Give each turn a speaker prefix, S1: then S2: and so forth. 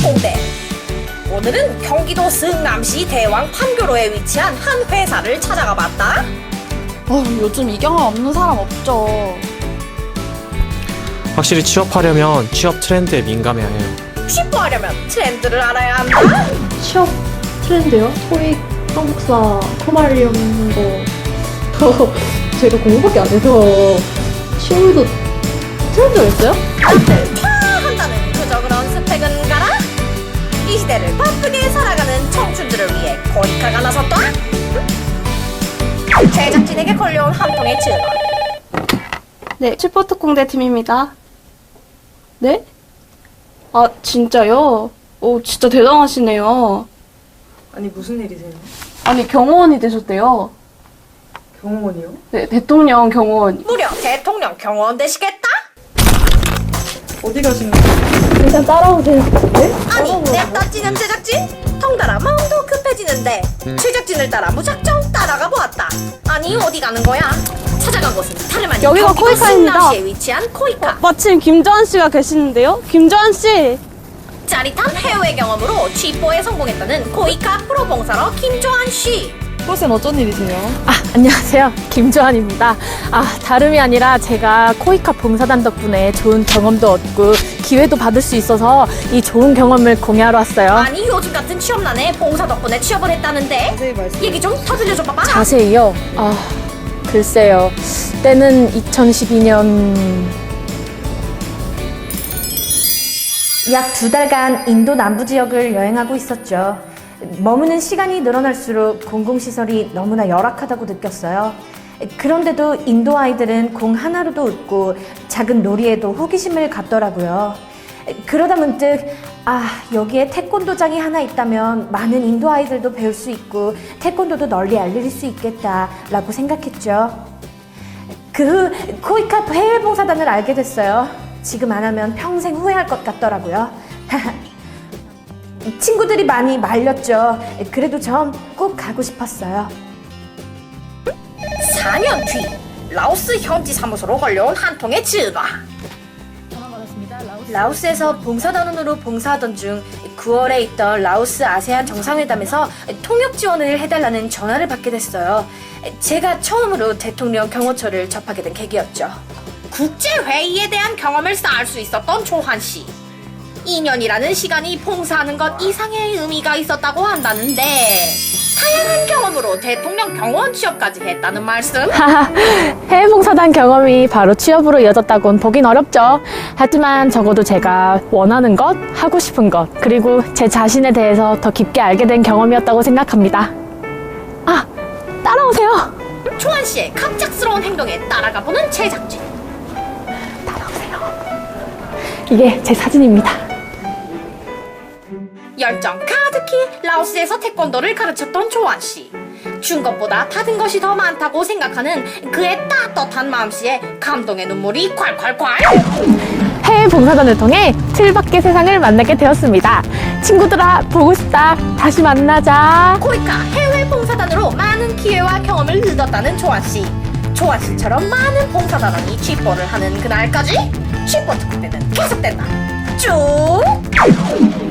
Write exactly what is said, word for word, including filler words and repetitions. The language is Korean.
S1: 특공대. 오늘은 경기도 성남시 대왕 판교로에 위치한 한 회사를 찾아가 봤다.
S2: 어, 요즘 이 경험 없는 사람 없죠.
S3: 확실히 취업하려면 취업 트렌드에 민감해야 해요.
S1: 취업하려면 트렌드를 알아야 한다.
S4: 취업 트렌드요? 토익, 한국사, 토말리움 거. 제가 공부밖에 안 해서 취업도 트렌드가 있어요?
S1: 남들 파 한다는 그저 그런 스펙은 가라. 이 시대를 바쁘게 살아가는 청춘들을 위해 코이카가 나섰다. 제작진에게 걸려온 한 통의 전화.
S2: 네, 칠포특공대 팀입니다. 네? 아, 진짜요? 오, 진짜 대단하시네요.
S5: 아니 무슨 일이세요?
S2: 아니, 경호원이 되셨대요.
S5: 경호원이요?
S2: 네, 대통령 경호원.
S1: 무려 대통령 경호원 되시겠다?
S5: 어디 가시는 거예요?
S4: 일단 따라오세요. 네?
S1: 아니 냅다 찌는 제작진? 덩달아 마음도 급해지는데 제작진을 따라 무작정 따라가 보았다. 아니 어디 가는 거야? 찾아간 곳은 다름 아닌
S2: 여기가
S1: 경기도
S2: 코이카입니다.
S1: 성남시에 위치한 코이카.
S2: 마침 김조한 씨가 계시는데요? 김조한 씨!
S1: 짜릿한 해외 경험으로 취뽀에 성공했다는 코이카 프로 봉사러 김조한 씨.
S5: 프로쌤 어쩐 일이세요?
S6: 아, 안녕하세요. 김조한입니다. 아, 다름이 아니라 제가 코이카 봉사단 덕분에 좋은 경험도 얻고 기회도 받을 수 있어서 이 좋은 경험을 공유하러 왔어요.
S1: 아니 요즘 같은 취업난에 봉사 덕분에 취업을 했다는데
S5: 자세히 말씀.
S1: 얘기 좀 더 들려줘 봐봐.
S6: 자세히요? 아, 글쎄요. 때는 이천십이 년...
S7: 약 두 달간 인도 남부 지역을 여행하고 있었죠. 머무는 시간이 늘어날수록 공공시설이 너무나 열악하다고 느꼈어요. 그런데도 인도 아이들은 공 하나로도 웃고 작은 놀이에도 호기심을 갖더라고요. 그러다 문득 아, 여기에 태권도장이 하나 있다면 많은 인도 아이들도 배울 수 있고 태권도도 널리 알릴 수 있겠다라고 생각했죠. 그 후 코이카 해외 봉사단을 알게 됐어요. 지금 안 하면 평생 후회할 것 같더라고요. 친구들이 많이 말렸죠. 그래도 전 꼭 가고 싶었어요.
S1: 사 년 뒤 라오스 현지 사무소로 걸려온 한 통의 전화.
S7: 라오스에서 봉사단원으로 봉사하던 중 구월에 있던 라오스 아세안 정상회담에서 통역 지원을 해달라는 전화를 받게 됐어요. 제가 처음으로 대통령 경호처를 접하게 된 계기였죠.
S1: 국제회의에 대한 경험을 쌓을 수 있었던 조한 씨. 이 년이라는 시간이 봉사하는 것 이상의 의미가 있었다고 한다는데 다양한 경험으로 대통령 경호원 취업까지 했다는 말씀?
S6: 하하, 해외 봉사단 경험이 바로 취업으로 이어졌다곤 보긴 어렵죠. 하지만 적어도 제가 원하는 것, 하고 싶은 것, 그리고 제 자신에 대해서 더 깊게 알게 된 경험이었다고 생각합니다. 아, 따라오세요.
S1: 조한 씨의 갑작스러운 행동에 따라가보는 제작진.
S6: 이게 제 사진입니다.
S1: 열정 가득히 라오스에서 태권도를 가르쳤던 조한 씨. 준 것보다 받은 것이 더 많다고 생각하는 그의 따뜻한 마음씨에 감동의 눈물이 콸콸콸.
S6: 해외 봉사단을 통해 틀밖의 세상을 만나게 되었습니다. 친구들아, 보고 싶다. 다시 만나자.
S1: 코이카 해외 봉사단으로 많은 기회와 경험을 얻었다는 조한 씨. 조한 씨처럼 많은 봉사단원이 취뽀를 하는 그날까지 취뽀 특공대는 계속된다. 쭉!